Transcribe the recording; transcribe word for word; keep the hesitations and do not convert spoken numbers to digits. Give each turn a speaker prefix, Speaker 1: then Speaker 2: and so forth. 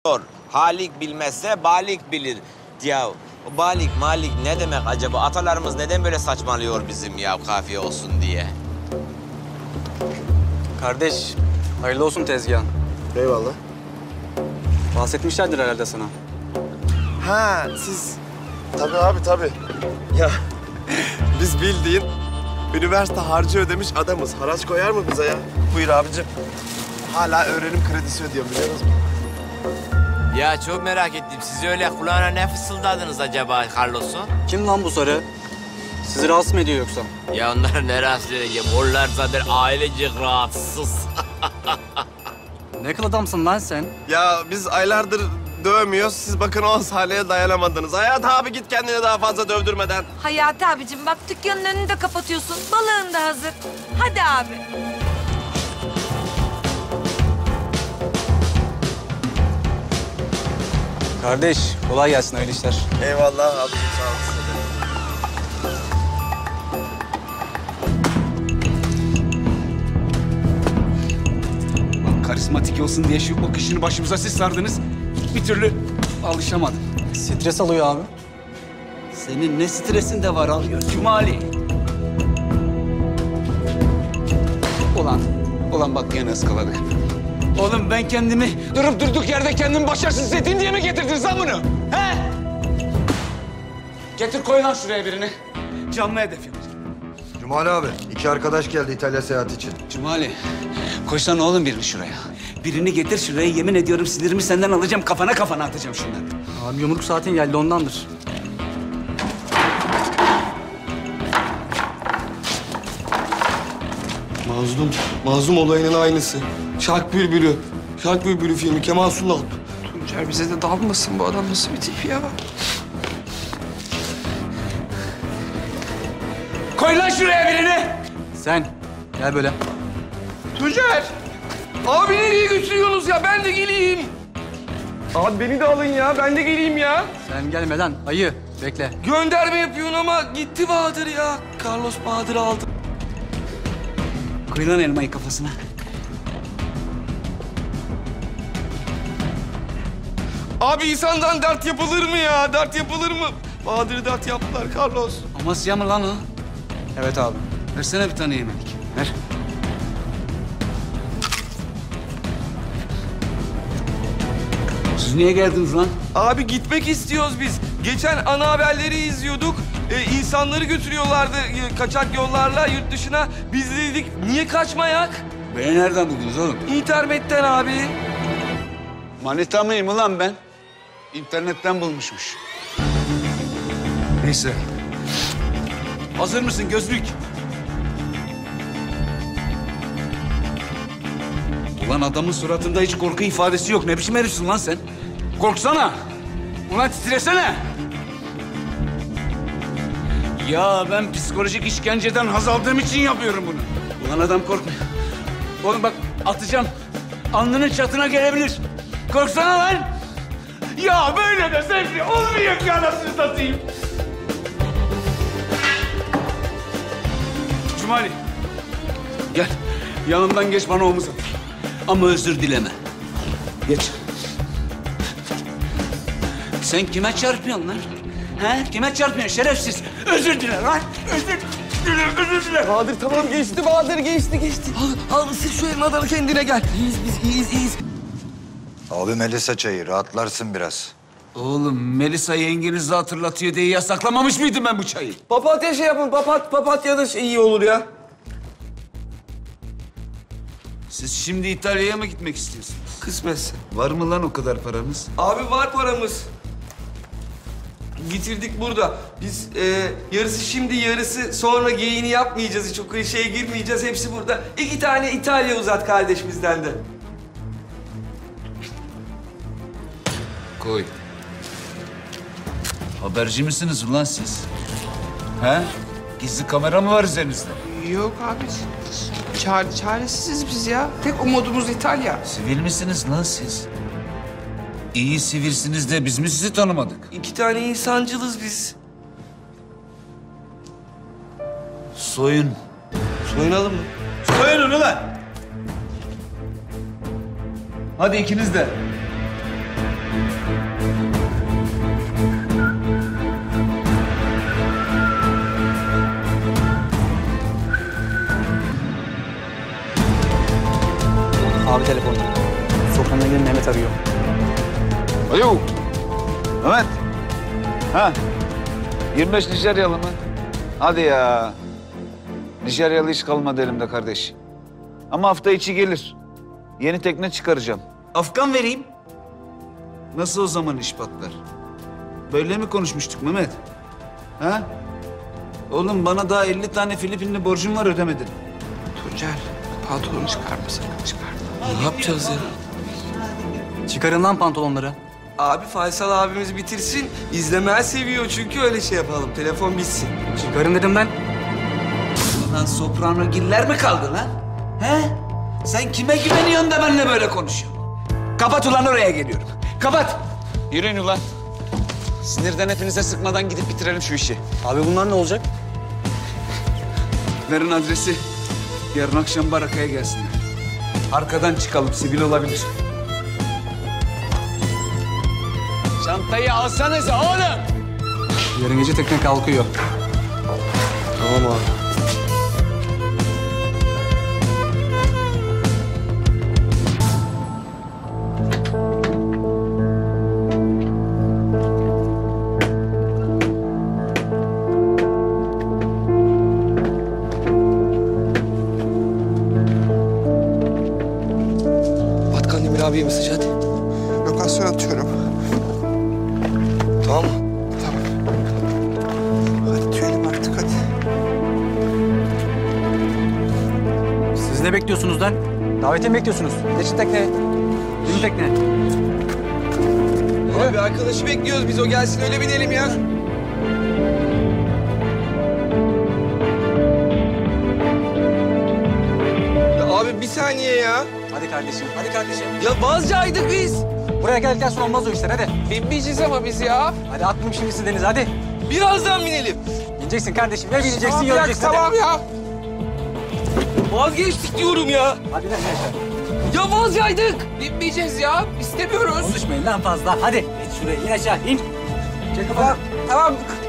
Speaker 1: Halik bilmezse balik bilir. Ya o balik malik ne demek acaba? Atalarımız neden böyle saçmalıyor bizim ya kafiye olsun diye?
Speaker 2: Kardeş, hayırlı olsun tezgahın.
Speaker 3: Eyvallah.
Speaker 2: Bahsetmişlerdir herhalde sana.
Speaker 3: Ha siz... Tabii abi tabii. Ya biz bildiğin üniversite harcı ödemiş adamız. Haraç koyar mı bize ya? Buyur abicim. Hala öğrenim kredisi ödüyorum biliyor musun?
Speaker 1: Ya çok merak ettim. Siz öyle kulağına ne fısıldadınız acaba Carlos'u?
Speaker 2: Kim lan bu sarı? Sizi rahatsız mı ediyor yoksa?
Speaker 1: Ya onlara ne rahatsız edeceğim? Onlar zaten ailecek rahatsız.
Speaker 2: Ne kıl adamsın lan sen?
Speaker 3: Ya biz aylardır dövmüyoruz. Siz bakın o Salih'e dayanamadınız. Hayat abi git kendini daha fazla dövdürmeden.
Speaker 4: Hayati abicim bak dükkanın önünü de kapatıyorsun. Balığın da hazır. Hadi abi.
Speaker 2: Kardeş, kolay gelsin hayırlı işler.
Speaker 3: Eyvallah abicim sağ olasın.
Speaker 5: Lan karizmatik olsun diye şu bakışını başımıza siz sardınız. Bir türlü alışamadım.
Speaker 2: Stres alıyor abi.
Speaker 5: Senin ne stresin de var alıyor Cumali. Ulan, ulan bak gene ıskaladık. Oğlum ben kendimi durup durduk yerde kendimi başarısız hissettiğim diye mi getirdiniz lan bunu? He? Getir koy lan şuraya birini. Canlı hedef yapacağım.
Speaker 6: Cumali abi, iki arkadaş geldi İtalya seyahati için.
Speaker 5: Cumali, koysana oğlum birini şuraya. Birini getir şuraya, yemin ediyorum sinirimi senden alacağım, kafana kafana atacağım şunları.
Speaker 2: Abi yumruk saatin geldi ondandır.
Speaker 3: Mazlum, Mazlum olayının aynısı. Şark Bülbülü. Şark Bülbülü filmi Kemal Sunal.
Speaker 7: Tuncer bize de dalmasın, bu adam nasıl bir tip ya?
Speaker 5: Koy lan şuraya birini.
Speaker 2: Sen, gel böyle.
Speaker 7: Tuncer! Abi nereye götürüyorsunuz ya? Ben de geleyim. Abi beni de alın ya, ben de geleyim ya.
Speaker 2: Sen gelme lan, ayı. Bekle.
Speaker 7: Gönderme yapıyorsun ama gitti Bahadır ya. Carlos Bahadır'ı aldı.
Speaker 5: Koy lan elmayı kafasına.
Speaker 7: Abi insandan dert yapılır mı ya? Dert yapılır mı? Bahadır'ı dert yaptılar Carlos.
Speaker 5: Amasya mı lan o?
Speaker 2: Evet abi.
Speaker 5: Versene bir tane yemelik. Ver. Siz niye geldiniz lan?
Speaker 7: Abi gitmek istiyoruz biz. Geçen ana haberleri izliyorduk. Ee, insanları götürüyorlardı e, kaçak yollarla yurt dışına. Biz de dedik niye kaçmayak?
Speaker 5: Beni nereden buldunuz oğlum?
Speaker 7: İnternetten abi.
Speaker 5: Manita mıyım ulan ben? İnternetten bulmuşmuş. Neyse. Hazır mısın gözlük? Ulan adamın suratında hiç korku ifadesi yok. Ne biçim herifsin lan sen? Korksana. Ulan titresene. Ya ben psikolojik işkenceden haz aldığım için yapıyorum bunu. Ulan adam korkmuyor. Oğlum bak atacağım. Alnının çatına gelebilir. Korksana lan. Ya böyle de zevkli olmuyor ki anasını satayım. Cumali. Gel. Yanımdan geç bana omuz at. Ama özür dileme. Geç. Sen kime çarpıyorsun lan? He? Kime çarpıyorsun şerefsiz? Özür dile lan. Özür dile, özür dile.
Speaker 7: Bahadır tamam geçti Bahadır geçti geçti. Al, al ısır şu elini adamı kendine gel. İyiyiz biz iyiyiz iyiyiz.
Speaker 6: Abi Melisa çayı, rahatlarsın biraz.
Speaker 5: Oğlum Melisa yengenizi hatırlatıyor diye yasaklamamış mıydım ben bu çayı?
Speaker 7: Papatya şey yapın papat papatya da şey iyi olur ya.
Speaker 5: Siz şimdi İtalya'ya mı gitmek istiyorsunuz?
Speaker 7: Kısmetse.
Speaker 5: Var mı lan o kadar paranız?
Speaker 7: Abi var paramız. Getirdik burada. Biz e, yarısı şimdi yarısı sonra geyini yapmayacağız. Hiç o klişeye girmeyeceğiz. Hepsi burada. İki tane İtalya uzat kardeş bizden de.
Speaker 5: Koy. Haberci misiniz ulan siz? He? Gizli kamera mı var üzerinizde?
Speaker 8: Yok abi. Çare, çaresiziz biz ya. Tek umudumuz İtalya.
Speaker 5: Sivil misiniz lan siz? İyi sivilsiniz de biz mi sizi tanımadık?
Speaker 7: İki tane insancılız biz.
Speaker 5: Soyun.
Speaker 7: Soyunalım mı?
Speaker 5: Soyunun ulan! Hadi ikiniz de.
Speaker 2: Abi telefonu. Sokağına gelin Mehmet arıyor.
Speaker 9: Alo. Mehmet. Ha. yirmi beş Nijeryalı mı? Hadi ya. Nijeryalı hiç kalmadı elimde kardeş. Ama hafta içi gelir. Yeni tekne çıkaracağım. Afgan vereyim. Nasıl o zaman iş patlar? Böyle mi konuşmuştuk Mehmet? Ha? Oğlum bana daha elli tane Filipinli borcum var ödemedin.
Speaker 8: Tuncel, pantolonu çıkarma sakın çıkarma.
Speaker 7: Ne yapacağız ya?
Speaker 2: Çıkarın lan pantolonları.
Speaker 7: Abi Faysal abimiz bitirsin. İzlemeyi seviyor çünkü öyle şey yapalım. Telefon bitsin.
Speaker 2: Çıkarın dedim ben.
Speaker 9: Lan soprano giller mi kaldı lan? He? Sen kime güveniyorsun da benimle böyle konuşuyorsun? Kapat ulan oraya geliyorum. Kapat.
Speaker 5: Yürüyün ulan. Sinirden hepinize sıkmadan gidip bitirelim şu işi.
Speaker 2: Abi bunlar ne olacak?
Speaker 9: Verin adresi. Yarın akşam barakaya gelsinler. Arkadan çıkalım, sivil olabilir.
Speaker 5: Çantayı alsanıza oğlum.
Speaker 2: Yarın gece tekne kalkıyor.
Speaker 3: Tamam abi.
Speaker 7: At Kandemir abiye mesaj hadi.
Speaker 8: Lokasyon atıyorum.
Speaker 7: Tamam mı?
Speaker 8: Hadi tüyelim artık hadi.
Speaker 2: Siz ne bekliyorsunuz lan? Davetiye mi bekliyorsunuz? Geçin tekneye. Bin tekne.
Speaker 7: Abi arkadaşı bekliyoruz biz. O gelsin öyle binelim ya. Ya abi bir saniye ya.
Speaker 2: Hadi kardeşim, hadi kardeşim.
Speaker 7: Ya Bazcaydık biz.
Speaker 2: Buraya geldikten sonra olmaz o işler, hadi.
Speaker 8: Binmeyeceğiz ama biz ya.
Speaker 2: Hadi atmayayım şimdi sizi denize, hadi.
Speaker 7: Birazdan binelim.
Speaker 2: Bineceksin kardeşim, ya bineceksin
Speaker 8: Tamam
Speaker 2: ya
Speaker 8: ya,
Speaker 2: öleceksin. hadi.
Speaker 8: tamam ya.
Speaker 7: Vazgeçtik diyorum ya.
Speaker 2: Hadi lan Yaşar.
Speaker 7: Ya vazcaydık.
Speaker 8: Binmeyeceğiz ya. İstemiyoruz.
Speaker 2: Konuşmayın lan fazla, hadi. İn şuraya, in aşağı, in. Çek kafanı.
Speaker 8: Tamam.